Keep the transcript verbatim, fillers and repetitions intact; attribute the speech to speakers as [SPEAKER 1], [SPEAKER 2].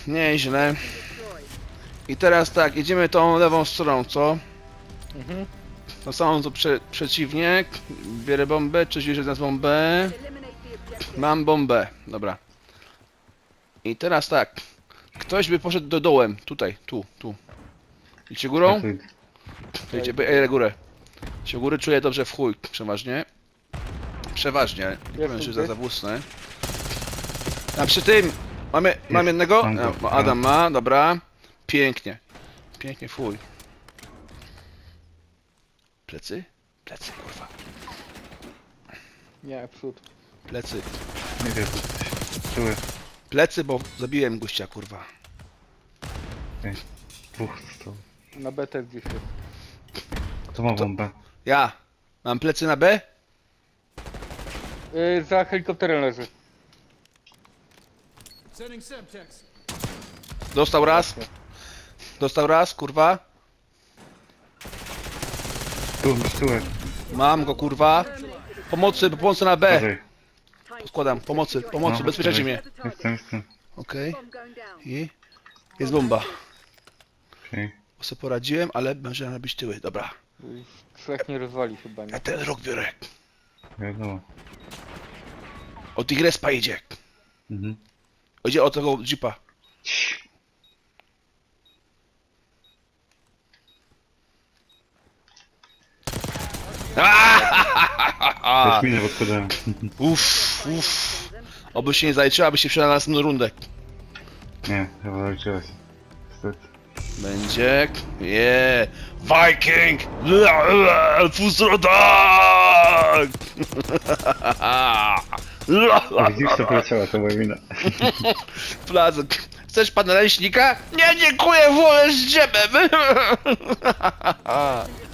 [SPEAKER 1] Nieźle. I teraz tak, idziemy tą lewą stroną, co?
[SPEAKER 2] Mhm.
[SPEAKER 1] No samą tu prze, przeciwnie. Bierę bombę, czy bierze nas bombę? Mam bombę, dobra. I teraz tak. Ktoś by poszedł do dołem, tutaj, tu, tu. Idzie górą? To idzie, ej, górę. Się góry czuję dobrze w chuj, przeważnie. Przeważnie, nie powiem, że za zawłócne. A przy tym, mamy, mam jednego?
[SPEAKER 3] mam go.
[SPEAKER 1] No, Adam ma, dobra. Pięknie. Pięknie, fuj. Plecy? Plecy, kurwa.
[SPEAKER 2] Nie, przód.
[SPEAKER 1] Plecy.
[SPEAKER 3] Nie wiem, czuły.
[SPEAKER 1] Plecy, bo zabiłem gościa, kurwa.
[SPEAKER 3] Dwóch stał.
[SPEAKER 2] Na B też gdzieś jest.
[SPEAKER 3] Kto ma bombę?
[SPEAKER 1] Ja. Mam plecy na B?
[SPEAKER 2] Yy, za helikopterem leży.
[SPEAKER 1] Dostał raz. Dostał raz, kurwa.
[SPEAKER 3] Tu, tyłek.
[SPEAKER 1] Mam go, kurwa. Pomocy, pomocy na B.
[SPEAKER 3] Uważaj.
[SPEAKER 1] Składam, pomocy, pomocy,
[SPEAKER 3] No,
[SPEAKER 1] bezpieczajcie
[SPEAKER 3] uważaj.
[SPEAKER 1] mnie.
[SPEAKER 3] Jestem, jestem.
[SPEAKER 1] Okej. I jest bomba.
[SPEAKER 3] Okej.
[SPEAKER 1] Bo sobie poradziłem, ale będzie robić tyły. Dobra.
[SPEAKER 2] Już trzech nie rozwali chyba, nie?
[SPEAKER 1] Ja ten rok biorę.
[SPEAKER 3] Wiadomo.
[SPEAKER 1] Od Tigrespa idzie.
[SPEAKER 3] Mhm.
[SPEAKER 1] Idzie od tego jeepa.
[SPEAKER 3] Też minę podkładałem.
[SPEAKER 1] Uff, uff. Oby się nie zaliczyła, aby się przydała na następną rundę.
[SPEAKER 3] Nie, chyba zaliczyłeś. Niestety.
[SPEAKER 1] Będzie. Yeah. Viking! Fusrodak!
[SPEAKER 3] A widzisz, to poleciała, to moja wina.
[SPEAKER 1] Placek. Chcesz pana leśnika? Nie, dziękuję, wolę z dżemem.